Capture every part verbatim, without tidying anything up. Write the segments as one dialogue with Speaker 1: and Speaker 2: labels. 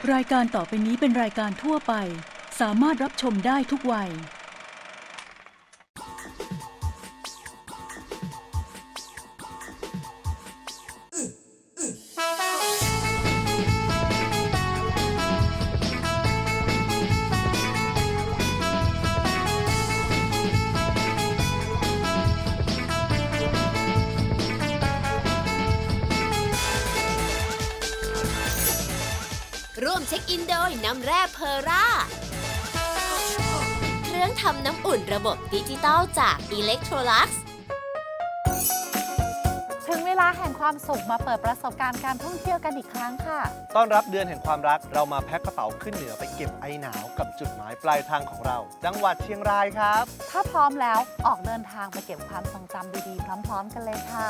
Speaker 1: รายการต่อไปนี้เป็นรายการทั่วไปสามารถรับชมได้ทุกวัย
Speaker 2: ร่วมเช็คอินโดยน้ำแร่เพอร่าเครื่องทำน้ำอุ่นระบบดิจิตอลจาก Electrolux
Speaker 3: ถึงเวลาแห่งความสุขมาเปิดประสบการณ์การท่องเที่ยวกันอีกครั้งค่ะ
Speaker 4: ต้อนรับเดือนแห่งความรักเรามาแพ็คกระเป๋าขึ้นเหนือไปเก็บไอหนาวกับจุดหมายปลายทางของเรา จังหวัดเชียงรายครับ
Speaker 3: ถ้าพร้อมแล้วออกเดินทางไปเก็บความทรงจำดีๆพร้อมๆกันเลยค่ะ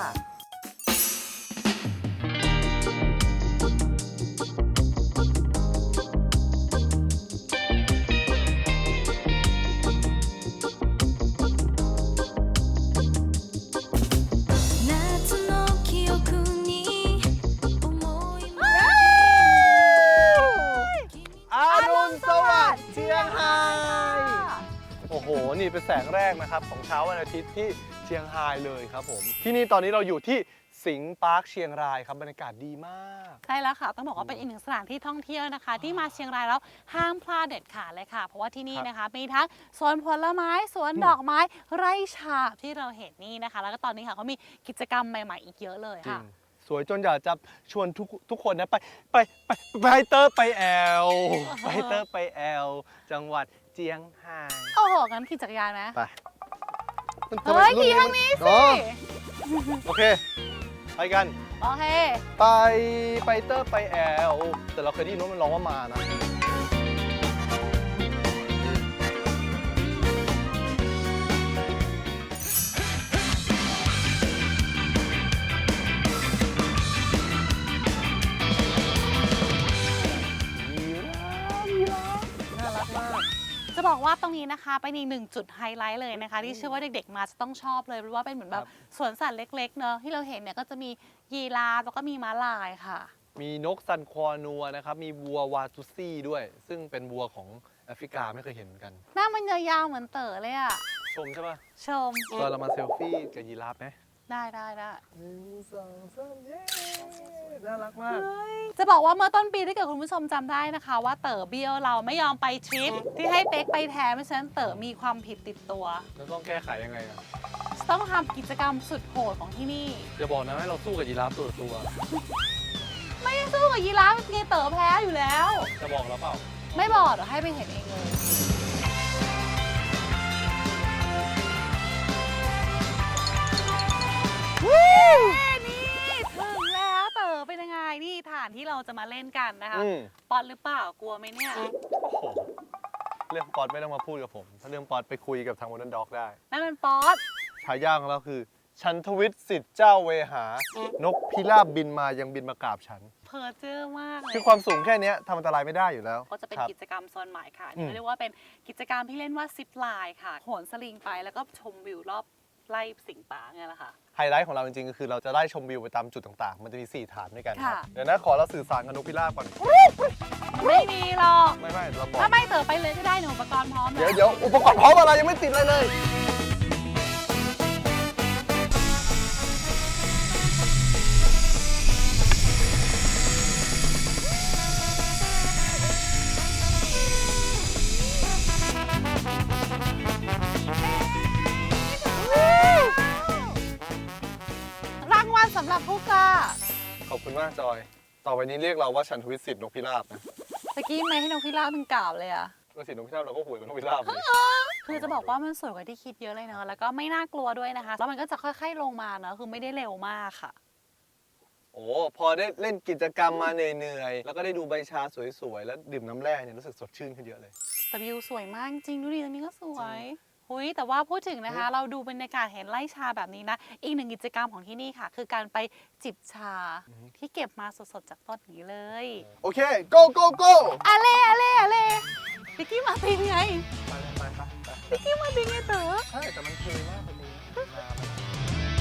Speaker 4: โอ้โห นี่เป็นแสงแรกนะครับของเช้าวันอาทิตย์ที่เชียงรายเลยครับผมที่นี่ตอนนี้เราอยู่ที่สิงห์ปาร์คเชียงรายครับบรรยากาศดีมาก
Speaker 3: ใช่แล้วค่ะต้องบอกว่าเป็นอีกหนึ่งสถานที่ท่องเที่ยวนะคะที่มาเชียงรายแล้วห้ามพลาดเด็ดขาดเลยค่ะเพราะว่าที่นี่นะคะมีทั้งสวนผลไม้สวนดอกไม้ไร่ฉาบที่เราเห็นนี่นะคะแล้วก็ตอนนี้ค่ะเขามีกิจกรรมใหม่ๆอีกเยอะเลยค่ะ
Speaker 4: สวยจนอยากจะชวนทุกทุกคนนะไปไปไปไปเตอร์ไปแอลไปเตอร์ไปแอลจังหวัดเจียงไฮ้
Speaker 3: โอ้โหงั้นขี่จักรยานไหม
Speaker 4: ไป
Speaker 3: เฮ้ยขี่ทางนี้สิ
Speaker 4: โอเคไปกัน
Speaker 3: โอเค
Speaker 4: ไปไปเตอร์ไปแอลแต่เราเคยได้ยินว่ามันร้องว่ามานะ
Speaker 3: จะบอกว่าตรงนี้นะคะเป็นอีกหนึ่งจุดไฮไลท์เลยนะคะที่เชื่อว่าเด็กๆมาจะต้องชอบเลยเพราะว่าเป็นเหมือนแบบสวนสัตว์เล็กๆเนอะที่เราเห็นเนี่ยก็จะมียีราฟแล้วก็มีม้าลายค่ะ
Speaker 4: มีนกซันควอนัวนะครับมีวัววาตุซี่ด้วยซึ่งเป็นวัวของแอฟริกาไม่เคยเห็นเหมือนกัน
Speaker 3: หน้ามันยาวๆเหมือนเต๋อเลยอะ
Speaker 4: ชมใช่ปะ
Speaker 3: ชม
Speaker 4: เราเรามาเซลฟี่กับยีราฟไหม
Speaker 3: ได้ได้ได้
Speaker 4: หนึ่งสองสามเย้น่ารักมาก
Speaker 3: จะบอกว่าเมื่อต้นปีถ้าเกิดคุณผู้ชมจำได้นะคะว่าเต๋อเบี้ยวเราไม่ยอมไปทริปที่ให้เป๊กไปแทนเพราะฉะนั้นเต๋อมีความผิดติดตัว
Speaker 4: แล้วต้องแก้ไขยังไงอะ
Speaker 3: ต้องทำกิจกรรมสุดโหดของที่นี่
Speaker 4: จะบอกนะให้เราสู้กับยีราฟตัวตัว
Speaker 3: ไม่สู้กับยีราฟไงเต๋อแพ้อยู่แล้ว
Speaker 4: จะบอกเราเปล่า
Speaker 3: ไม่บอกเดี๋ยวให้ไปเห็นเองเลยนี่ถึงแล้วเต๋อเป็นยังไงนี่ฐานที่เราจะมาเล่นกันนะคะป๊อตหรือเปล่ากลัวไหมเนี่ย
Speaker 4: โอ้โหเรื่องป๊อตไม่ต้องมาพูดกับผมถ้าเรื่องป๊อตไปคุยกับทางโมเดิร์นด็อกได้
Speaker 3: นั่นเป็นป๊อต
Speaker 4: ฉายาของเราคือฉันทวิทย์สิทธิ์เจ้าเวหานกพิราบบินมายังบินมากราบฉัน
Speaker 3: เพอเจอมากเลย
Speaker 4: คือความสูงแค่นี้ทำอันตรายไม่ได้อยู่แล้ว
Speaker 3: ก็จะเป็นกิจกรรมโซนใหม่ค่ะเรียกว่าเป็นกิจกรรมที่เล่นว่าซิปไลน์ค่ะโหนสลิงไปแล้วก็ชมวิวรอบไล่สิงป่าไงล่ะค่ะ
Speaker 4: ไฮไลท์ของเราจริงๆก็คือเราจะไล่ชมวิวไปตามจุดต่างๆมันจะมีสี่ฐานด้วยกันเดี๋ยวนะขอเราสื่อสารกับนกพิราบก่อน
Speaker 3: ไม่มีหรอก
Speaker 4: ไม่ไม่เราบอก
Speaker 3: ถ้าไม่เต๋อไปเลยก็ได้หนูอุปกรณ์พร้อม
Speaker 4: เดี๋ยวเดี๋ยวอุปกรณ์พร้อมอะไรยังไม่ติดเลยเลย
Speaker 3: สำหรับผู้กล้า
Speaker 4: ขอบคุณมากจอยต่อไปนี้เรียกเราว่าฉันทวิทย์สิทธิ์นกพิราบนะ
Speaker 3: ตะกี้ไม่ให้นกพิราบมันกล่าวเลยอะ
Speaker 4: ก็สิทธิ์นกพิราบเราก็หวยกับนกพิราบเลย
Speaker 3: คือจะบอกว่ามันสวยกว่าที่คิดเยอะเลยเนอะแล้วก็ไม่น่ากลัวด้วยนะคะแล้วมันก็จะค่อยๆลงมาเนอะคือไม่ได้เร็วมากค่ะ
Speaker 4: โอ้พอได้เล่นกิจกรรมมาเหนื่อยๆแล้วก็ได้ดูใบชาสวยๆแล้วดื่มน้ำแร่เนี่ยรู้สึกสดชื่นขึ้นเยอะเลย
Speaker 3: แต่วิวสวยมากจริงดูดิตรงนี้ก็สวยหุยแต่ว่าพูดถึงนะคะเราดูบรรยากาศเห็นไร่ชาแบบนี้นะอีกหนึ่งกิจกรรมของที่นี่ค่ะคือการไปจิบชาที่เก็บมาสดๆจากต้นนี้เลย
Speaker 4: โอเค go go go
Speaker 3: อะเล่อะเล่อะเล่พิกกี้มาตินไง
Speaker 4: ไปไปไป
Speaker 3: พิกกี้มาตินไงเต๋อ
Speaker 4: ใช่แต่มันเท่มากเลย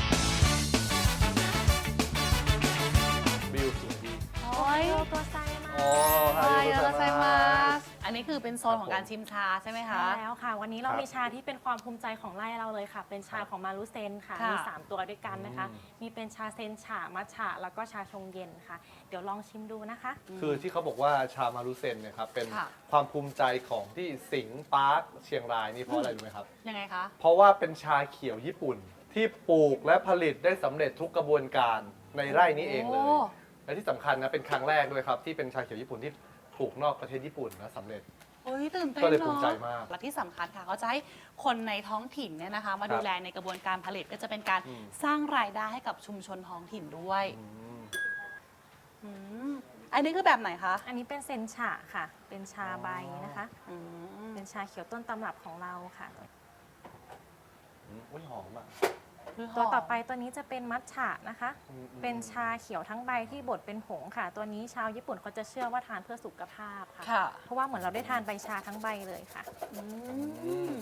Speaker 4: วิวสวยดี
Speaker 3: โอ้ยตัวไซมาก
Speaker 4: อ๋อ
Speaker 3: ไฮโยโกไซมาส
Speaker 4: ส
Speaker 3: อันนี้คือเป็นโซนของการชิมชาใช่ไหมคะ
Speaker 5: ใช่แล้วค่ะ วันนี้เรา
Speaker 4: ครับ
Speaker 5: มีชาที่เป็นความภูมิใจของไร่เราเลยค่ะ เป็นชาของมารุเซนค่ะ
Speaker 3: ค่ะ
Speaker 5: มี สาม ตัวด้วยกันนะคะ
Speaker 4: อืม
Speaker 5: มีเป็นชาเซนฉะมัทฉะแล้วก็ชาชงเย็นค่ะ เดี๋ยวลองชิมดูนะคะ
Speaker 4: คือที่เขาบอกว่าชามารุเซนเนี่ยครับเป็น
Speaker 3: ค่ะ
Speaker 4: ความภูมิใจของที่สิงห์ปาร์คเชียงรายนี่เพราะอะไรรู้ไหมครับ
Speaker 3: ยังไงคะ
Speaker 4: เพราะว่าเป็นชาเขียวญี่ปุ่น ที่ปลูกและผลิตได้สำเร็จทุกกระบวนการในไร่นี้เองเลย
Speaker 3: โอ้
Speaker 4: และที่สำคัญนะเป็นครั้งแรกด้วยครับ ที่เป็นชาเขียวญี่ปุ่นที่ปลูกนอกประเทศญี่ปุ่นและสำเร็จ
Speaker 3: โอ้ยตื่นเต้น
Speaker 4: ก็เลย
Speaker 3: เนอะ
Speaker 4: ภูมิใจมาก
Speaker 3: และที่สำคัญค่ะเขาจะให้คนในท้องถิ่นเนี่ยนะคะ มา
Speaker 4: ครับ
Speaker 3: ดูแลในกระบวนการผลิตก็จะเป็นการ
Speaker 4: อืม
Speaker 3: สร้างรายได้ให้กับชุมชนท้องถิ่นด้วย
Speaker 4: อืม
Speaker 3: อืมอันนี้คือแบบไหนคะ
Speaker 5: อันนี้เป็นเซนฉะค่ะ เป็นชาใบนะคะ
Speaker 3: อืม
Speaker 5: เป็นชาเขียวต้นตำรับของเราค่ะ
Speaker 4: อืมอุ้ยหอมอ่ะ
Speaker 5: ตัวต่อไปตัวนี้จะเป็นมัทฉะนะคะ
Speaker 4: อืมอืม
Speaker 5: เป็นชาเขียวทั้งใบที่บดเป็นผงค่ะ ตัวนี้ชาวญี่ปุ่นเขาจะเชื่อว่าทานเพื่อสุขภาพค่ะ
Speaker 3: ค่ะ
Speaker 5: เพราะว่าเหมือนเราได้ทานใบชาทั้งใบเลยค่ะ
Speaker 3: อืม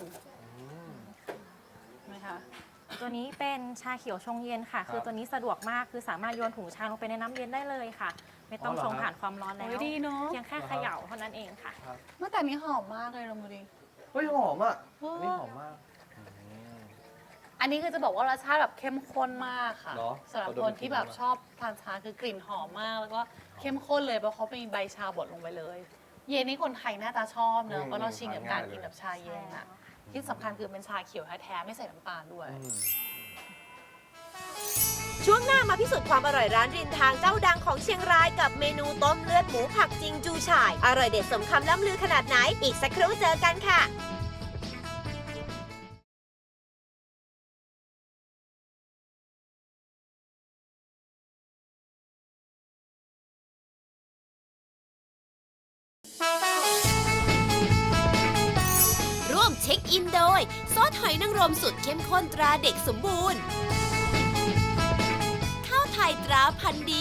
Speaker 3: ไหมคะ
Speaker 5: ตัวนี้เป็นชาเขียวชงเย็นค่ะ คือตัวนี้สะดวกมาก คือสามารถโยนถุงชาลงไปในน้ำเย็นได้เลยค่ะ ไม่ต้องชงผ่านความร้อนแล้ว
Speaker 3: โอ้ยดีเนอะ
Speaker 5: เพียงแค่เขย่าเท่านั้นเองค่ะ
Speaker 3: เมื่อแต่นี้หอมมากเลยลองดูดิ
Speaker 4: เฮ้ยหอมอ่ะ
Speaker 3: เอออั
Speaker 4: อันนี้หอมมาก
Speaker 3: อันนี้คือจะบอกว่ารสชาติแบบเข้มข้นมากค่ะ
Speaker 4: เหรอ
Speaker 3: สำหรับ
Speaker 4: ขอดม
Speaker 3: คนที่แบบ
Speaker 4: กลิ่นหน่อย
Speaker 3: ชอบทานชาคือกลิ่นหอมมาก แล้วก็เข้มข้นเลยเพราะเขามีใบชาบดลงไปเลย เย็นนี้คนไทยน่าจะชอบเนอะเพราะเราชินกับการกินแบบชาเย็นอะที่สำคัญคือเป็นชาเขียวแท้ๆไม่ใส่น้ำตาลด้วย
Speaker 4: อืม
Speaker 2: ช่วงหน้ามาพิสูจน์ความอร่อยร้านริมทางเจ้าดังของเชียงรายกับเมนูต้มเลือดหมูผักจิงจูฉ่าย อร่อยเด็ดสมคำล่ำลือขนาดไหน อีกสักครู่เจอกันค่ะ ร่วมเช็คอินโดย ซอสหอยนางรมสุดเข้มข้นตราเด็กสมบูรณ์ ข้าวไทยตราพันธุ์ดี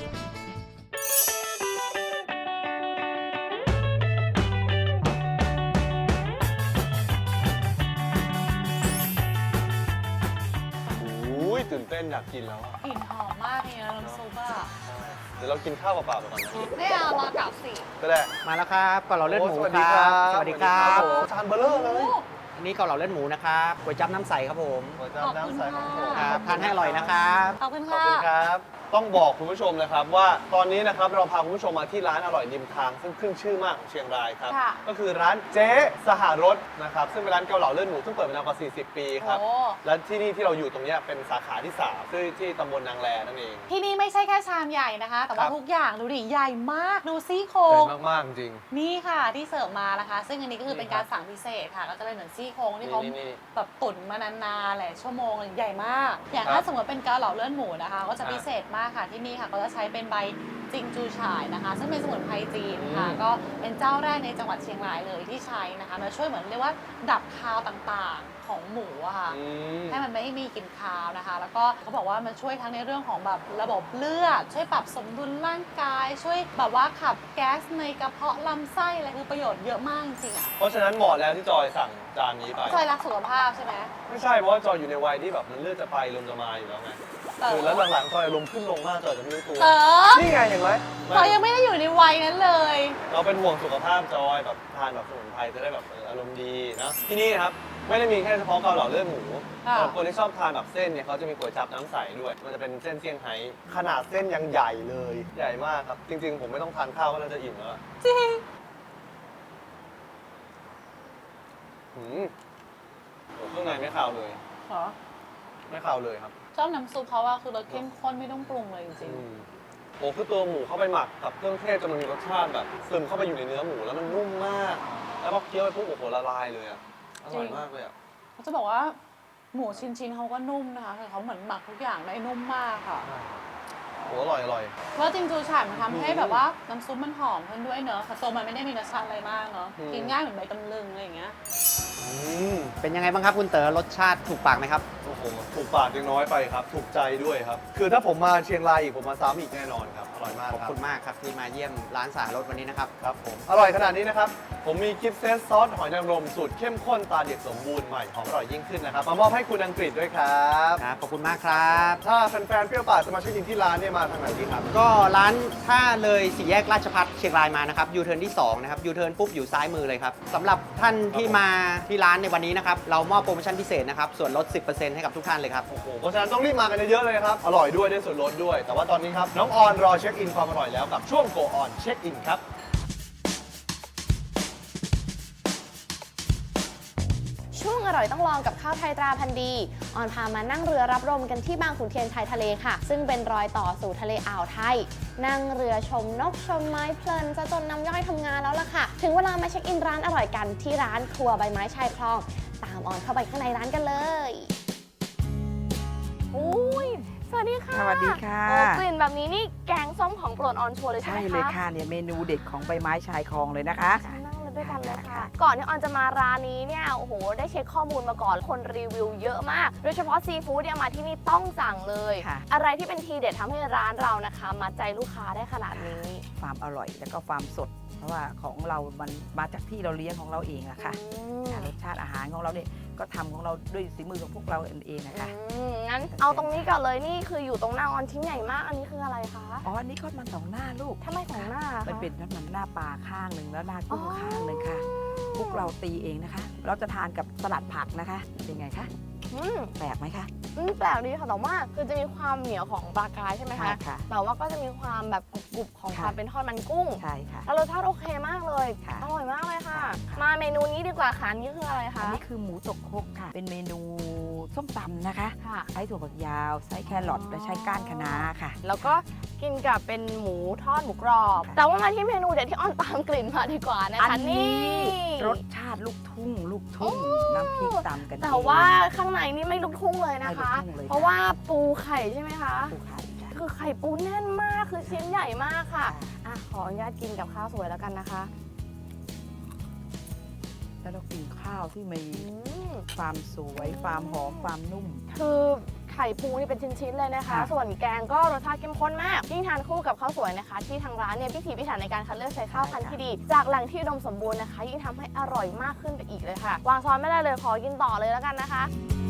Speaker 4: อุ้ยตื่นเต้นอยากกินแล้วอะ
Speaker 3: กลิ่นหอมมากเลยนะน้ำซุปอะ
Speaker 4: เดี๋ยวเรากินข้าวเปล่าๆไปก่อนนะ
Speaker 3: ไม่เอารากลับสิ
Speaker 4: ก็ได้
Speaker 6: มาแล้วครับเกาเหลาเลือดหมู
Speaker 4: โสวัส
Speaker 6: ค
Speaker 4: ดี
Speaker 6: รับ สวัสดีครับ
Speaker 4: โอ้โหจานเบลเลอร์เลย
Speaker 6: อันนี้เกาเหลาเลือดหมูนะครับก๋วยจั๊บน้ำใสครับผม
Speaker 4: หัวจานน้ำใสของผม
Speaker 6: ครับทานให้อร่อยนะครับ
Speaker 3: ขอบคุณ
Speaker 4: ขอบ
Speaker 3: ค่ะ
Speaker 4: คุณครับ ต้องบอกคุณผู้ชมนะครับว่าตอนนี้นะครับเราพาคุณผู้ชมมาที่ร้านอร่อยริมทาง ซึ่งขึ้นชื่อมากของเชียงรายครับ
Speaker 3: ค่ะ
Speaker 4: ก็คือร้านเจ๊สหรสนะครับซึ่งเป็นร้านเกาเหลาเลือดหมูซึ่งเปิดมานานกว่า สี่สิบ ปีครับ
Speaker 3: โอ้
Speaker 4: และที่นี่ที่เราอยู่ตรงเนี้ยเป็นสาขาที่สามที่ที่ตำบลนางแลนั่นเอง
Speaker 3: ที่นี่ไม่ใช่แค่ชามใหญ่นะคะ แต่
Speaker 4: ครั
Speaker 3: ว่า
Speaker 4: บ
Speaker 3: ทุกอย่างดูดิใหญ่มากดูซี่โคร
Speaker 4: ใหญ่
Speaker 3: ง
Speaker 4: มากๆจริง
Speaker 3: นี่ค่ะที่เสิร์ฟมานะคะ ซึ่งอันนี้ก็คือ
Speaker 4: นี่
Speaker 3: เป็นการสั่งพิเศษค่ะ ก็จะเป็นเหมือนซี่โครงที่เขา
Speaker 4: นี่นี่
Speaker 3: แบบตุ๋นมานานๆหลายชั่วโมงเลยใหญ่มาก อย่าง
Speaker 4: ครับ
Speaker 3: ถ้าสมมติเป็นเกาเหลาเลือดหมูนะคะ ก็จะ
Speaker 4: อ่า
Speaker 3: พิเศษมากค่ะที่นี่ค่ะก็จะใช้เป็นใบจิงจูฉ่ายนะคะ ซึ่งเป็นสมุนไพรจีนค่ะ
Speaker 4: อืม
Speaker 3: ก็เป็นเจ้าแรกในจังหวัดเชียงรายเลยที่ใช้นะคะมาช่วยเหมือนเรียกว่าดับคาวต่างๆของหมูอะค่ะ
Speaker 4: อืม
Speaker 3: ให้มันไม่มีกลิ่นคาวนะคะ แล้วก็เขาบอกว่ามันช่วยทั้งในเรื่องของแบบระบบเลือด ช่วยปรับสมดุลร่างกาย ช่วยแบบว่าขับแก๊สในกระเพาะลำไส้อะไรคือประโยชน์เยอะมากจริงๆอ่ะ
Speaker 4: เพราะฉะนั้นเหมาะแล้วที่จอยสั่งจานนี้ไป
Speaker 3: จอยรักสุขภาพใช่ไหม
Speaker 4: ไม่ใช่เพราะว่าจอยอยู่ในวัยที่แบบมันเลือดจะไปลมจะมาอยู่แล้วไง
Speaker 3: เออ
Speaker 4: คือแล้วหลังๆจอยอารมณ์ขึ้นลงมากจอยจะไม่รู้ตัว
Speaker 3: เออ
Speaker 4: นี่ไงเห็นไหม
Speaker 3: จอยยังไม่ได้อยู่ในวัยนั้นเลย
Speaker 4: เราเป็นห่วงสุขภาพจอยแบบทานแบบสมุนไพรจะได้แบบเอออารมณ์ดีนะที่นี่นะครับไม่ได้มีแค่เฉพาะเกาเหลาเลือดหมู
Speaker 3: ค่ะ
Speaker 4: สำหรับคนที่ชอบทานแบบเส้นเนี่ยเขาจะมีก๋วยจั๊บน้ำใสด้วย มันจะเป็นเส้นเซี่ยงไฮ้ขนาดเส้นยังใหญ่เลยใหญ่มากครับ จริง ๆ ผมไม่ต้องทานข้าวก็น่าจะอิ่มแล้วอะ
Speaker 3: จริง
Speaker 4: หืมโอ้เครื่องในไม่ขาวเลย
Speaker 3: เหรอ
Speaker 4: ไม่ขาวเลยครับ
Speaker 3: ชอบน้ำซุปเขาว่าคือรสเข้มข้นไม่ต้องปรุงเลยจริง
Speaker 4: อืมโอ้คือตัวหมูเข้าไปหมักกับเครื่องเทศจนมันมีรสชาติแบบซึมเข้าไปอยู่ในเนื้อหมูแล้วมันนุ่มมาก แล้วพอเคี้ยวไปปุ๊บโอ้โหละลายเลยอ่ะอร่อยมากเลยอ่ะ
Speaker 3: ๆเขาจะบอกว่าหมูชิ้นๆเขาก็นุ่มนะคะคือเขาเหมือนหมักทุกอย่างได้นุ่มมากค่ะ
Speaker 4: โอ้อร่อยอร่อย
Speaker 3: แล้วจริงจูฉ่ายมันทำให้
Speaker 4: อืม
Speaker 3: แบบว่าน้ำซุปมันหอมขึ้นด้วยเนอะแต่ตัวมันไม่ได้มีรสชาติอะไรมากเนอะ
Speaker 4: อืม
Speaker 3: กินง่ายเหมือนใบตำลึงอะไรอย่างเงี้ย
Speaker 4: อืม
Speaker 6: เป็นยังไงบ้างครับคุณเต๋อรสชาติถูกปากไหมครับ
Speaker 4: โอ้โหถูกปากยังน้อยไปครับ ถูกใจด้วยครับ คือถ้าผมมาเชียงรายอีกผมมาซ้ำอีกแน่นอนครับอร่อยมาก
Speaker 6: ขอบ
Speaker 4: ครับ
Speaker 6: คุณมากครับที่มาเยี่ยมร้านสารรสวันนี้นะครับ
Speaker 4: ครับผมอร่อยขนาดนี้นะครับผมมีกิฟต์เซตซอสหอยนางรมสูตรเข้มข้นตาเด็ดสมบูรณ์ใหม่หอมอร่อยยิ่งขึ้นนะครับมามอบให้คุณอังกฤษด้วยครับ
Speaker 6: ครับ ขอบคุณมากครับ
Speaker 4: ถ้าแฟนๆเปรี้ยวปากจะมาเช็คอินที่ร้านเนี่ยมาทางไหนดีครับ
Speaker 6: ก็ร้านถ้าเลยสี่แยกราชพัฒเชียงรายมานะครับยูเทิร์นที่สองนะครับยูเทิร์นปุ๊บอยู่ซ้ายมือเลยครับสำหรับท่านที่มาที่ร้านในวันนี้นะครับเรามอบโปรโมชั่นพิเศษนะครับส่วนลด สิบเปอร์เซ็นต์ ให้กับทุกท่านเลยครับ
Speaker 4: โอ้โหเพราะฉะนั้นต้องรีบมากันเยอะๆเลยนะครับ อร่อยด้วยได้ส่วนลดด้วย แต่ว่าตอนนี้ครับ น้องออนรอเช็คอินความอร่อยแล้วกับช่วง Go On เช็คอินครับ
Speaker 7: ช่วงอร่อยต้องลองกับข้าวไทยตราพันธุ์ดี ออนพามานั่งเรือรับลมกันที่บางขุนเทียนชายทะเลค่ะ ซึ่งเป็นรอยต่อสู่ทะเลอ่าวไทย นั่งเรือชมนกชมไม้เพลินจะจนน้ำย่อยทำงานแล้วล่ะค่ะ ถึงเวลามาเช็คอินร้านอร่อยกันที่ร้านครัวใบไม้ชายคลอง ตามออนเข้าไปข้างในร้านกันเลยอุ้ยสวัสดีค่ะ
Speaker 8: สวัสดีค่ะ
Speaker 7: โอ้กลิ่นแบบนี้นี่แกงส้มของโปรดออนชัวร์เลยใช่
Speaker 8: ใช่
Speaker 7: ไหมคะ
Speaker 8: เลยค่ะเนี่ยเมนูเด็ดของใบไม้ชายคลองเลยนะคะ
Speaker 7: นั่งเลยด้วยกันเลยค่ะ ก่อนที่ออนจะมาร้านนี้เนี่ยโอ้โหได้เช็คข้อมูลมาก่อนคนรีวิวเยอะมาก โดยเฉพาะซีฟู้ดเนี่ยมาที่นี่ต้องสั่งเลย
Speaker 8: ค่ะ
Speaker 7: อะไรที่เป็นทีเด็ดทำให้ร้านเรานะคะมาใจลูกค้าได้ขนาดนี้
Speaker 8: ความอร่อยแล้วก็ความสด เพราะว่าของเรามันมาจากที่เราเลี้ยงของเราเองอะค่ะ
Speaker 7: อืม
Speaker 8: อ่ารสชาติอาหารของเราเนี่ยก็ทำของเราด้วยฝีมือของพวกเราเองนะคะ
Speaker 7: อืมงั้นเอาตรงนี้ก่อนเลยนี่คืออยู่ตรงหน้าออนชิ้นใหญ่มากอันนี้คืออะไรคะ
Speaker 8: อ๋ออันนี้ทอดมันสองหน้าลูก
Speaker 7: ทำไมของหน้าคะ
Speaker 8: มันเป็นทอดมันหน้าปลาข้างหนึ่งแล้วหน้ากุ้ง
Speaker 7: อ๋อ
Speaker 8: ข้างหนึ่งค่ะพวกเราตีเองนะคะ เราจะทานกับสลัดผักนะคะเป็นไงคะ
Speaker 7: อืม
Speaker 8: แปลกไหมคะ
Speaker 7: อืมแปลกดีค่ะแต่ว่าคือจะมีความเหนียวของปลากรายใช่ไหมคะ
Speaker 8: ค่ะ
Speaker 7: แต่ว่าก็จะมีความแบบกรุบๆของ
Speaker 8: ค่ะ
Speaker 7: ความเป็นทอดมันกุ้ง
Speaker 8: ใช่ค่ะ
Speaker 7: แล้วรสชาติโอเคมากเลย
Speaker 8: ค่ะ
Speaker 7: อร่อยมากเลยค่ะ
Speaker 8: ค่ะ
Speaker 7: มาเมนูนี้ดีกว่าค่ะอันนี่คืออะไร
Speaker 8: อั
Speaker 7: คะ
Speaker 8: นนี้คือหมูตกครกค่ะ เป็นเมนูส้มตำนะคะ
Speaker 7: ค่ะ
Speaker 8: ใช้ถั่วฝักยาว ใช้แครอทและใช้ก้านคะน้าค่ะ
Speaker 7: แล้วก็กินกับเป็นหมูทอดหมูกรอบ
Speaker 8: ค่ะ
Speaker 7: แต่ว่ามาที่เมนูเด็ดที่อ้อนตามกลิ่นมาดีกว่านะคะนี่
Speaker 8: รสชาติลูกทุ่ง ลูกทุ่ง น้ำพริกตำกัน
Speaker 7: แต่ว่าข้างในนี่ไม่ลูกทุ่งเลยนะคะ
Speaker 8: ไม่ลูกทุ่งเลย
Speaker 7: เพราะว่าปูไข่ใช่ไหมคะ
Speaker 8: ปูไข่ค่ะ
Speaker 7: คือไข่ปูแน่นมากคือชิ้นใหญ่มากค่ะอ่ะขออนุญาตกินกับข้าวสวยแล้วกันนะคะ
Speaker 8: แล้วเรากินข้าวที่มี
Speaker 7: อืม
Speaker 8: ความสวย ความหอม ความนุ่ม
Speaker 7: คือไข่ปูนี่เป็นชิ้นๆเลยนะคะ
Speaker 8: ค่ะ
Speaker 7: ส่วนแกงก็รสชาติเข้มข้นมาก ยิ่งทานคู่กับข้าวสวยนะคะ ที่ทางร้านเนี่ยพิถีพิถันในการคัดเลือกใช้ข้าวพันธุ์ที่ดี จากแหล่งที่อุดมสมบูรณ์นะคะ ยิ่งทำให้อร่อยมากขึ้นไปอีกเลยค่ะ วางช้อนไม่ได้เลยขอกินต่อเลยแล้วกันนะคะ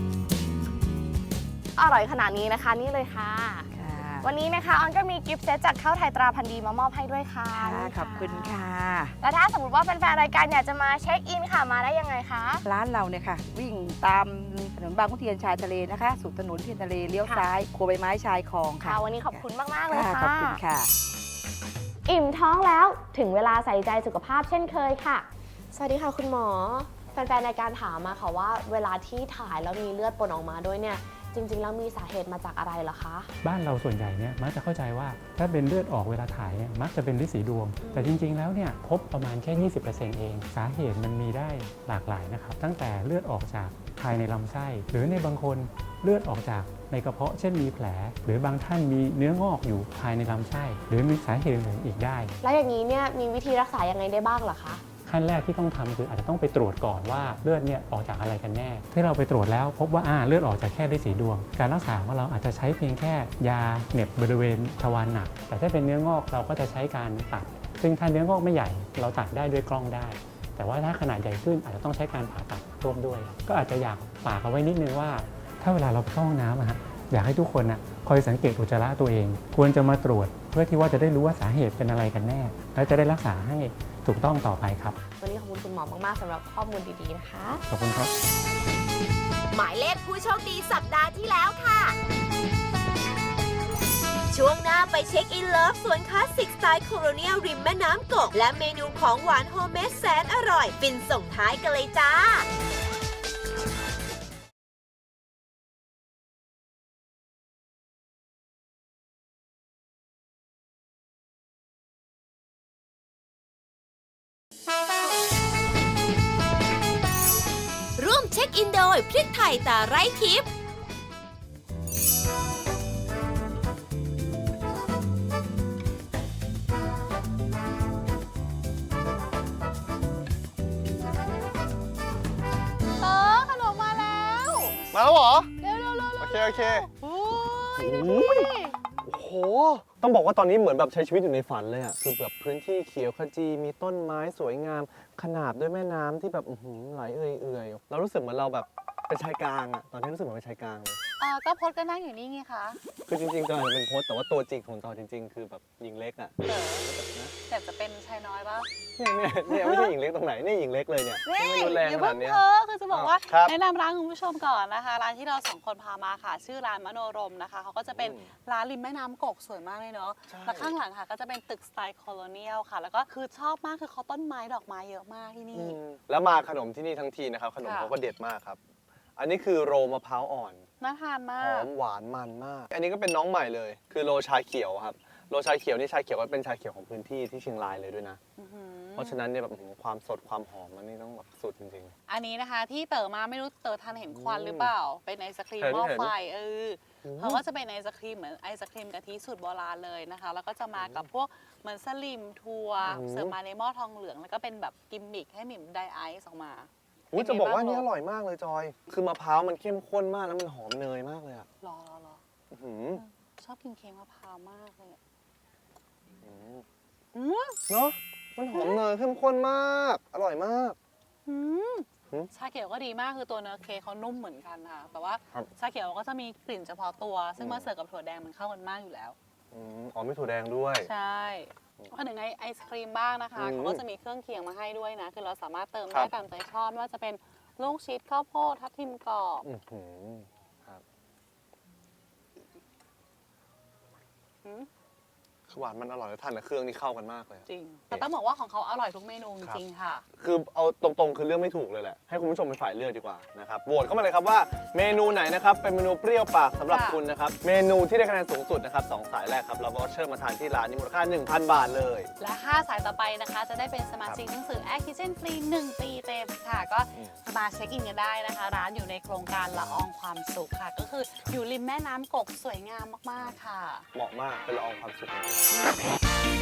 Speaker 7: อร่อยขนาดนี้นะคะนี่เลยค่ะ
Speaker 8: ค่ะ
Speaker 7: วันนี้นะคะออนก็มีกิฟต์เซตจากข้าวไทยตราพันธุ์ดีมามอบให้ด้วยค่ะ
Speaker 8: ค่ะ
Speaker 7: นี่
Speaker 8: ขอบคุณค่ะ
Speaker 7: แล้วถ้าสมมติว่าแฟนๆรายการอยากจะมาเช็คอินค่ะมาได้ยังไงคะ
Speaker 8: ร้านเราเนี่ยค่ะ วิ่งตามถนนบางขุนเทียนชายทะเลนะคะสู่ถนนเทียนทะเลเลี้ยว
Speaker 7: ค่ะ
Speaker 8: ซ้ายครัวใบไม้ชายคลองค่ะ
Speaker 7: ค่ะวันนี้ขอบคุณมากๆเลย
Speaker 8: ค่ะ
Speaker 7: ค่ะ
Speaker 8: ขอบคุณค่ะ
Speaker 7: อิ่มท้องแล้วถึงเวลาใส่ใจสุขภาพเช่นเคยค่ะ สวัสดีค่ะคุณหมอ แฟนๆรายการถามมาค่ะว่าเวลาที่ถ่ายแล้วมีเลือดปนออกมาด้วยเนี่ยจริงๆแล้วมีสาเหตุมาจากอะไรเหรอคะ
Speaker 9: บ้านเราส่วนใหญ่เนี่ยมักจะเข้าใจว่าถ้าเป็นเลือดออกเวลาถ่ายเนี่ยมักจะเป็นฤทธิ์สีดวง แต่จริงๆแล้วเนี่ยพบประมาณแค่ ยี่สิบเปอร์เซ็นต์ เอง สาเหตุมันมีได้หลากหลายนะครับตั้งแต่เลือดออกจากภายในลำไส้ หรือในบางคนเลือดออกจากในกระเพาะเช่นมีแผล หรือบางท่านมีเนื้องอกอยู่ภายในลำไส้ หรือมีสาเหตุอื่นๆอีกได้
Speaker 7: แล้วอย่างนี้เนี่ยมีวิธีรักษายังไงได้บ้างเหรอคะ
Speaker 9: ขั้นแรกที่ต้องทำคืออาจจะต้องไปตรวจก่อนว่าเลือดเนี่ยออกจากอะไรกันแน่ที่เราไปตรวจแล้วพบว่าอ่าเลือดออกจากแค่ฤทธิ์สีดวง การรักษาของเราอาจจะใช้เพียงแค่ยาเหน็บบริเวณทวารหนัก แต่ถ้าเป็นเนื้องอกเราก็จะใช้การตัด ซึ่งถ้าเนื้องอกไม่ใหญ่เราตัดได้ด้วยกล้องได้ แต่ว่าถ้าขนาดใหญ่ขึ้นอาจจะต้องใช้การผ่าตัดร่วมด้วย ก็อาจจะอยากฝากเอาไว้นิดนึงว่า ถ้าเวลาเราเข้าห้องน้ำอะฮะอยากให้ทุกคนนะคอยสังเกตอุจจาระตัวเอง ควรจะมาตรวจเพื่อที่ว่าจะได้รู้ว่าสาเหตุเป็นอะไรกันแน่ และจะได้รักษาให้ถูกต้องต่อไปครับ
Speaker 7: วันนี้ขอบคุณคุณหมอมากๆสำหรับข้อมูลดีๆนะคะ
Speaker 9: ขอบคุณครับ
Speaker 2: หมายเลขผู้โชคดีสัปดาห์ที่แล้วค่ะ ช่วงหน้าไปเช็คอินเลิฟสวนคลาสสิกสไตล์โคโลเนียลริมแม่น้ำกก และเมนูของหวานโฮมเมดแสนอร่อยฟินส่งท้ายกันเลยจ้า ร่วมเช็คอินโดยพริกไทยตาไร้ทิพย์
Speaker 3: เออขนมมาแล้ว
Speaker 4: มาแล้วเหรอ
Speaker 3: เร็วๆๆๆ
Speaker 4: โอเค โอเค
Speaker 3: โอ้ย
Speaker 4: โอ้โหโอ้โหโหต้องบอกว่าตอนนี้เหมือนแบบใช้ชีวิตอยู่ในฝันเลยอ่ะคือแบบพื้นที่เขียวขจีมีต้นไม้สวยงามขนาบด้วยแม่น้ำที่แบบอื้อหือไหลเอื่อยๆเรารู้สึกเหมือนเราแบบเป็นชายกลางอ่ะตอนนี้รู้สึกเหมือนเป็นชายกลางเลย
Speaker 3: เออก็พจน์ก็นั่งอยู่นี่ไงคะ
Speaker 4: คือจริงๆจอยเป็นโค้ชแต่ว่าตัวจริงของจอยจริงๆ คือแบบหญิงเล็กอ่ะ
Speaker 3: เต๋อแต่จะเป็นชายน้อยป่ะ
Speaker 4: เนี่ยเนี่ยเนี่ยไม่ใช่หญิงเล็กตรงไหนเนี่ยหญิงเล็กเลยเนี่ย
Speaker 3: นี่
Speaker 4: ไม่รุนแรง
Speaker 3: อย่า
Speaker 4: ข
Speaker 3: เพิ่
Speaker 4: นาด
Speaker 3: ง
Speaker 4: เนี้ย
Speaker 3: เพ้อคือจะบอกว่า
Speaker 4: ครับ
Speaker 3: แนะนำร้านคุณผู้ชมก่อนนะคะ ร้านที่เราสองคนพามาค่ะ ชื่อร้านมโนรมนะคะเขาก็จะเป็น
Speaker 4: อืม
Speaker 3: ร้านริมแม่น้ำกกสวยมากเลยเนาะ
Speaker 4: ใช่
Speaker 3: แล้วข้างหลังค่ะก็จะเป็นตึกสไตล์โคโลเนียลค่ะ แล้วก็คือชอบมากคือเขาต้นไม้ดอกไม้เยอะมากที่นี่
Speaker 4: อืมแล้วมาขนมที่นี่ทั้งทีนะครับขนม
Speaker 3: ค่ะ
Speaker 4: เขาก็เด็ดมากครับ อันนี้คือโรมะพร้าวอ่อน
Speaker 3: น่าทานมา
Speaker 4: หอก มหวานมันมาก อันนี้ก็เป็นน้องใหม่เลย คือโรชาเขียวครับโรชาเขียวนี่ชาเขียวก็เป็นชาเขียวของพื้นที่ที่เชียงรายเลยด้วยนะ
Speaker 3: อื้อหือ
Speaker 4: เพราะฉะนั้นเนี่ยแบบอื้อหือความสดความหอมมันนี่ต้องแบบสุดจริง
Speaker 3: อันนี้นะคะที่เต๋อมาไม่รู้เต๋อทันเห็นควัน
Speaker 4: อืม
Speaker 3: หรือเปล่า เป็นไอศครีม
Speaker 4: เห็น
Speaker 3: หม้อ
Speaker 4: เห็น
Speaker 3: ไฟเออ
Speaker 4: อืม
Speaker 3: เขาก็จะเป็นไอศครีมเหมือนไอศครีมกะทิสูตรโบราณเลยนะคะ แล้วก็จะมากับพวกเหมือนสลิมทัวร์
Speaker 4: อืม
Speaker 3: เสิร์ฟมาในหม้อทองเหลือง แล้วก็เป็นแบบกิมมิคให้หมิ่มไดไอซ์ออกมา
Speaker 4: ๆอุ้ยจะบอกว่า
Speaker 3: เป็นไง
Speaker 4: นี่อ
Speaker 3: บ้าง
Speaker 4: ร่อยมากเลยจอย คือมะพร้าวมันเข้มข้นมากแล้วมันหอมเนยมากเลยอ่ะ
Speaker 3: รอรอรอ
Speaker 4: อื้อหือ
Speaker 3: ชอบกินเค้กมะพร้าวมากเลยอะ
Speaker 4: อืม
Speaker 3: อืม
Speaker 4: เนาะมันหอมเนยเข้มข้นมาก อร่อยมาก
Speaker 3: อืม
Speaker 4: หืม
Speaker 3: ชาเขียวก็ดีมากคือตัวเนื้อเค้กเขานุ่มเหมือนกันค่ะ แต่ว่า
Speaker 4: ครับ
Speaker 3: ชาเขียวก็จะมีกลิ่นเฉพาะตัว ซึ่ง
Speaker 4: อืม
Speaker 3: มาเสิร์ฟกับถั่วแดงมันเข้ากันมากอยู่แล้ว
Speaker 4: อืมอ๋อมีถั่วแดงด้วย
Speaker 3: ใช่พอถึงไอไอศครีมบ้างนะคะ
Speaker 4: อืม
Speaker 3: เขาก็จะมีเครื่องเคียงมาให้ด้วยนะ คือเราสามารถเติม
Speaker 4: ครั
Speaker 3: ได้
Speaker 4: บ
Speaker 3: ตามใจชอบไม่ว่าจะเป็นลูกชิดข้าวโพดทับทิมกรอบ
Speaker 4: อื้อหือครับ
Speaker 3: หืม
Speaker 4: คือหวานมันอร่อยแล้วทานกับเครื่องนี่เข้ากันมากเลยอะ
Speaker 3: จริง แต่ต้องบอกว่าของเขาอร่อยทุกเมนูจริงๆค่ะ
Speaker 4: คือเอาตรงๆ คือเลือกไม่ถูกเลยแหละ ให้คุณผู้ชมเป็นฝ่ายเลือกดีกว่านะครับโหวตเข้ามาเลยครับว่าเมนูไหนนะครับเป็นเมนูเปรี้ยวปากสำหรับ
Speaker 3: ค่ะ
Speaker 4: คุณนะครับ เมนูที่ได้คะแนนสูงสุดนะครับสองสายแรกครับเราก็เชิญมาทานที่ร้านนี้มูลค่า หนึ่งพัน บาทเลย
Speaker 3: และห้าสายต่อไปนะคะ จะได้เป็นสมาชิกหนังสือ Air Kitchen ฟรีหนึ่งปีเต็มค่ะ ก็
Speaker 4: อืม
Speaker 3: มาเช็คอินกันได้นะคะ ร้านอยู่ในโครงการละอองความสุขค่ะ ก็คืออยู่ริมแม่น้ำกกสวยงามมากๆค่ะ
Speaker 4: เหมาะมากเป็นละอองความสุขจริง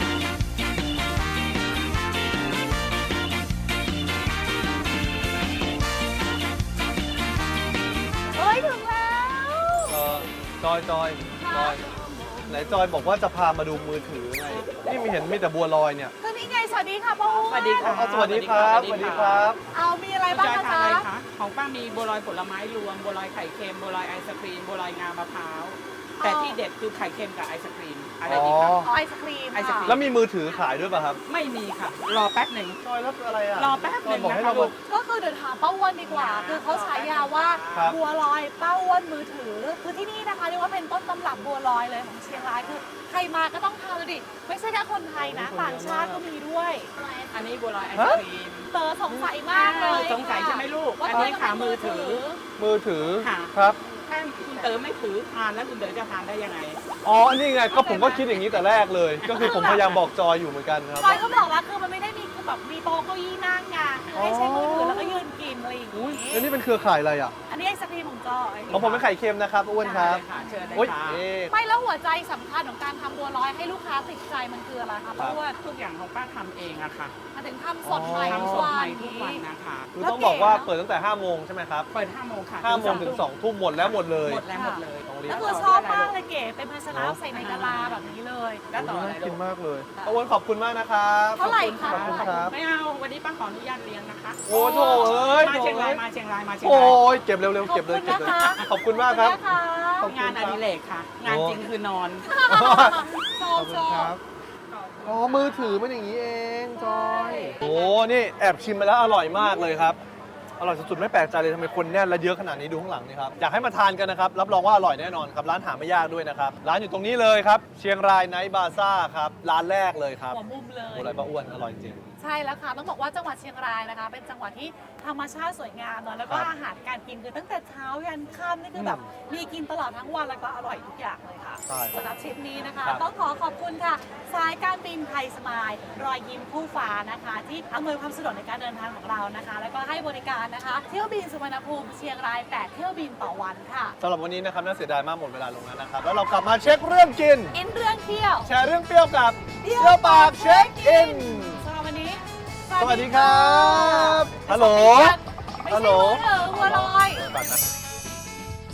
Speaker 3: เฮ้ย ถึงแล้ว
Speaker 4: เออจอยจอยจอยไหนจอยบอกว่าจะพามาดูมือถือไงนี่มีเห็นมีแต่บัวลอยเนี่ย
Speaker 3: คือนี่ไง สวัสดีค่ะป้าอ้วน
Speaker 8: สวัสดีค่ะ
Speaker 4: เอาสวัสดีครับสวัสดีครับ
Speaker 3: เอามีอะไรบ้าง
Speaker 8: จอย
Speaker 3: คะ
Speaker 8: ทาน
Speaker 3: จ๊ะ
Speaker 8: อะไรคะของป้ามีบัวลอยผลไม้รวมบัวลอยไข่เค็มบัวลอยไอศครีมบัวลอยงามะพร้าวแต่ที่เด็ดคือไข่เค็มกับไอศครีมอะไรดีคะ
Speaker 4: อ๋อ
Speaker 3: อ๋อไอศครีม
Speaker 8: ไอศกรี
Speaker 3: ค่ะ
Speaker 4: แล้วมีมือถือขายด้วยป่ะครับ
Speaker 8: ไม่มีค่ะ รอแป๊บหนึ่ง
Speaker 4: จอยแล้วอะไรอ่ะ
Speaker 8: รอแป๊บหนึ่ง
Speaker 4: บอก
Speaker 8: นะ
Speaker 4: ให้
Speaker 8: คะ
Speaker 4: เรา
Speaker 8: ลู
Speaker 4: มาก
Speaker 3: ก็คือเดี๋ยวถามป้าอ้วนดีกว่า คือเขาฉายาว่า
Speaker 4: ครับ
Speaker 3: บัวลอยป้าอ้วนมือถือ คือที่นี่นะคะเรียกว่าเป็นต้นตำรับบัวลอยเลยของเชียงราย คือใครมาก็ต้องทานเลยดิ ไม่ใช่แค่คนไทยนะ ต่างชาติก็มีด้วย
Speaker 8: อันนี้บัวลอยไอศครีม
Speaker 3: เต๋อสงสัยมากเลย
Speaker 8: สงสัยใช่ไหมลูก
Speaker 3: ว่า
Speaker 8: อันนี้ขามือถือ
Speaker 4: มือถือ
Speaker 8: ค่ะ
Speaker 4: ครับ
Speaker 8: ถ้าคุณเต๋อไม่ถือทานแล้วคุณเต๋อจะทานได้ยังไง
Speaker 4: อ๋อ นี่ไง ก็ผมก็คิดอย่างนี้แต่แรกเลย ก็คือผมพยายามบอกจอยอยู่เหมือนกันครับ
Speaker 3: จอยก็บอกว่าคือมันไม่ได้มีคือแบบมีโต๊ะเก้าอี้นั่งไงคือให้ใช้มือถือแล้วก็ยืนกินอะไรอย่าง
Speaker 4: อุ้ย
Speaker 3: งี้
Speaker 4: แล้วนี่เป็นเครือข่ายอะไรอ่ะ
Speaker 3: อันนี้ไอศครีมของจอย
Speaker 4: ของผมเป็นไข่เค็มนะครับอ้วนครับ
Speaker 8: ได้เลยค่ะเชิญเลย
Speaker 4: โอ้ย
Speaker 8: ค่ะ
Speaker 4: เอ๊ะ
Speaker 3: ไม่แล้วหัวใจสำคัญของการทำบัวลอยให้ลูกค้าติดใจมันคืออะไรคะเพราะว่า
Speaker 8: ทุกอย่างของป้าทำเองอะค่ะ
Speaker 3: มาถึงทำสดใหม่
Speaker 8: ทำส
Speaker 3: ทุก
Speaker 8: ด
Speaker 3: วั
Speaker 8: ใหม่
Speaker 3: น
Speaker 8: ทุกวันนะคะ
Speaker 4: คือต้องบอกว่าเปิดตั้งแต่ห้าโมงใช่ไหมครับ
Speaker 8: เปิดห้าโมงค่ะ
Speaker 4: ห้าโมงถึงสองทุ่มหมดแล้วหมดเลย
Speaker 8: หมดแล้วหมดเลย
Speaker 4: ต้องรีบ
Speaker 3: แล้วคือชอบมากเลยเก๋เป็นภาชนะใส่ในกะลาแบบนี้เลย
Speaker 8: แล้วต่ออะไร
Speaker 4: น่า
Speaker 8: ลู
Speaker 4: กิน
Speaker 8: ก
Speaker 4: มากเลยป้าอ้วนขอบคุณมากนะครับ
Speaker 3: เท่าไหร่คะ
Speaker 4: ขอบคุณครับ
Speaker 8: ไม่เอาวันนี้ป้าขออนุญาตเลี้ยงนะคะ
Speaker 4: โอ้โถเอ้ย
Speaker 8: มา
Speaker 4: โถ
Speaker 8: เชียงรา
Speaker 4: เอ้
Speaker 8: ย
Speaker 4: ย
Speaker 8: มาเชียงรายมาเชียง
Speaker 4: โอ้
Speaker 8: ราย
Speaker 4: ยเก็บเร็วๆเก็บเลย
Speaker 3: ขอบ
Speaker 4: เก็บ
Speaker 3: คุณ
Speaker 4: เลย
Speaker 3: นะคะ
Speaker 4: ขอบคุณมากครับ
Speaker 3: ขอบคุณนะคะ
Speaker 8: งานอดิเรกค่ะ งานจริงคือนอน
Speaker 3: ชอบชอบ
Speaker 4: อ๋อ มือถือมันอย่างนี้เอง จอย โอ้นี่แอบชิมมาแล้วอร่อยมากเลยครับ อร่อยสุดๆ ไม่แปลกใจเลยทำไมคนแน่นและเยอะขนาดนี้ดูข้างหลังนี่ครับ อยากให้มาทานกันนะครับ รับรองว่าอร่อยแน่นอนครับ ร้านหาไม่ยากด้วยนะครับ ร้านอยู่ตรงนี้เลยครับ เชียงรายไนท์บาซ่าครับ ร้านแรกเลยครับ
Speaker 3: หัวมุมเลย
Speaker 4: โอ้ไรป้าอ้วน อร่อยจริง
Speaker 3: ใช่แล้วค่ะ ต้องบอกว่าจังหวัดเชียงรายนะคะ เป็นจังหวัดที่ธรรมชาติสวยงามเนอะแล้วก็
Speaker 4: ครับ
Speaker 3: อาหารการกินคือตั้งแต่เช้ายันค่ำนี่คือแบบ
Speaker 4: อืม
Speaker 3: มีกินตลอดทั้งวันแล้วก็อร่อยทุกอย่างเลยค่ะ
Speaker 4: ใช่
Speaker 3: สำหรับทริปนี้นะคะ
Speaker 4: ครับ
Speaker 3: ต้องขอขอบคุณค่ะ สายการบินไทยสมายรอยยิ้มคู่ฟ้านะคะ ที่อำนวยความสะดวกในการเดินทางของเรานะคะ แล้วก็ให้บริการนะคะ เที่ยวบินสุวรรณภูมิเชียงรายแปดเที่ยวบินต่อวันค่ะ
Speaker 4: สำหรับวันนี้นะครับน่าเสียดายมากหมดเวลาลงแล้วนะครับ แล้วเรากลับมาเช็คเรื่องกิน
Speaker 3: อินเรื่องเที่ยว
Speaker 4: แชร์เรื่องเปรี้ยวกับเปรี้ยวปากเช็คอิน
Speaker 3: สำหรับวันนี้
Speaker 4: สวัสดีครับ ฮัลโหล
Speaker 3: ไม่
Speaker 4: ฮัล
Speaker 3: ใช่
Speaker 4: โหล
Speaker 3: มือถือบัวลอย
Speaker 4: ปัดนะ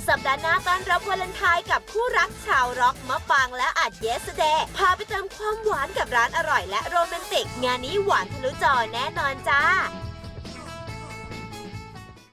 Speaker 2: สัปดาห์หน้าต้อนรับวาเลนไทน์กับคู่รักชาวร็อกมะปางและอาจเยสเดย์พาไปเติมความหวานกับร้านอร่อยและโรแมนติก งานนี้หวานทะลุจอแน่นอนจ้า